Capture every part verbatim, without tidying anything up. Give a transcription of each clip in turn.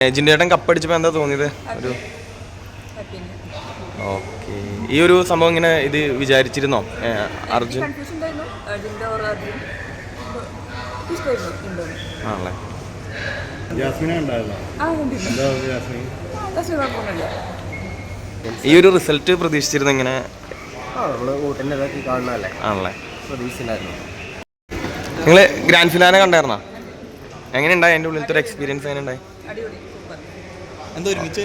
ജിൻഡേട്ടൻ കപ്പടിച്ചപ്പോൾ എന്താ തോന്നിയത്? ഒരു ഓക്കെ. ഈ ഒരു സംഭവം ഇങ്ങനെ ഇത് വിചാരിച്ചിരുന്നോ അർജുൻ? ആണല്ലേ. ഈ ഒരു റിസൾട്ട് പ്രതീക്ഷിച്ചിരുന്നു ഇങ്ങനെ? ആണല്ലേ. നിങ്ങള് ഗ്രാൻഡ് ഫിനാലെ കണ്ടായിരുന്നോ? എങ്ങനെ ഉണ്ടായി? എൻ്റെ ഉള്ളിലത്തെ ഒരു എക്സ്പീരിയൻസ് എങ്ങനെ ഉണ്ടായി? എന്തോ ഒരുമിച്ച്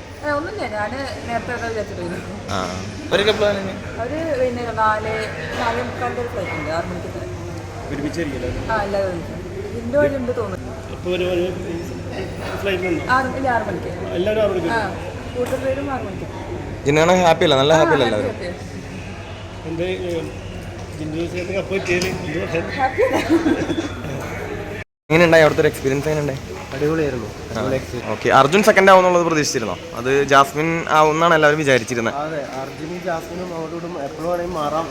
ജിന്നാണ് ഹാപ്പി അല്ല? നല്ല ഹാപ്പി അല്ല എല്ലാവരും? എങ്ങനെ ഉണ്ടായി അവിടുത്തെ ഒരു എക്സ്പീരിയൻസ്? എങ്ങനെ ഉണ്ടായി? അടിപൊളിയായിരുന്നു. ഓക്കെ. അർജുൻ സെക്കൻഡ് ആവുന്നുള്ളത് പ്രതീക്ഷിച്ചിരുന്നോ? അത് ജാസ്മിൻ ആവുന്നാണ് എല്ലാവരും വിചാരിച്ചിരുന്നത്. അതെ, അർജുനും ജാസ്മിനും അവരോടും എപ്പോഴും വേണമെങ്കിൽ മാറാം.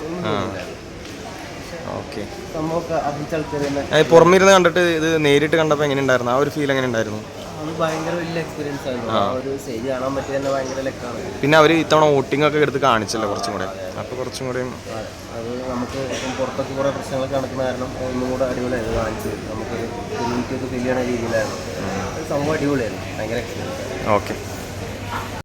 ഓക്കെ. പുറമെ ഇരുന്ന് കണ്ടിട്ട് ഇത് നേരിട്ട് കണ്ടപ്പോൾ എങ്ങനെ ഉണ്ടായിരുന്നു? ആ ഒരു ഫീൽ എങ്ങനെ ഉണ്ടായിരുന്നു? അത് ഭയങ്കര വലിയ എക്സ്പീരിയൻസ് ആയിരുന്നു. ആ ഒരു സ്റ്റേജ് കാണാൻ പറ്റിയ തന്നെ ഭയങ്കര ലക്കാണ്. പിന്നെ അവർ ഇത്തവണ വോട്ടിംഗ് ഒക്കെ എടുത്ത് കാണിച്ചല്ലോ കുറച്ചും കൂടെ, അപ്പോൾ കുറച്ചും കൂടെ അത് നമുക്ക് ഇപ്പം പുറത്തൊക്കെ കുറേ പ്രശ്നങ്ങളൊക്കെ നടക്കുന്ന കാരണം ഒന്നും കൂടെ അടിപൊളിയായിരുന്നു. കാണിച്ച് നമുക്ക് കമ്മ്യൂണിറ്റി ഒക്കെ ഫീൽ ചെയ്യണ രീതിയിലായിരുന്നു. സംഭവം അടിപൊളിയായിരുന്നു. ഭയങ്കര എക്സ്പീരിയൻസ്. ഓക്കെ.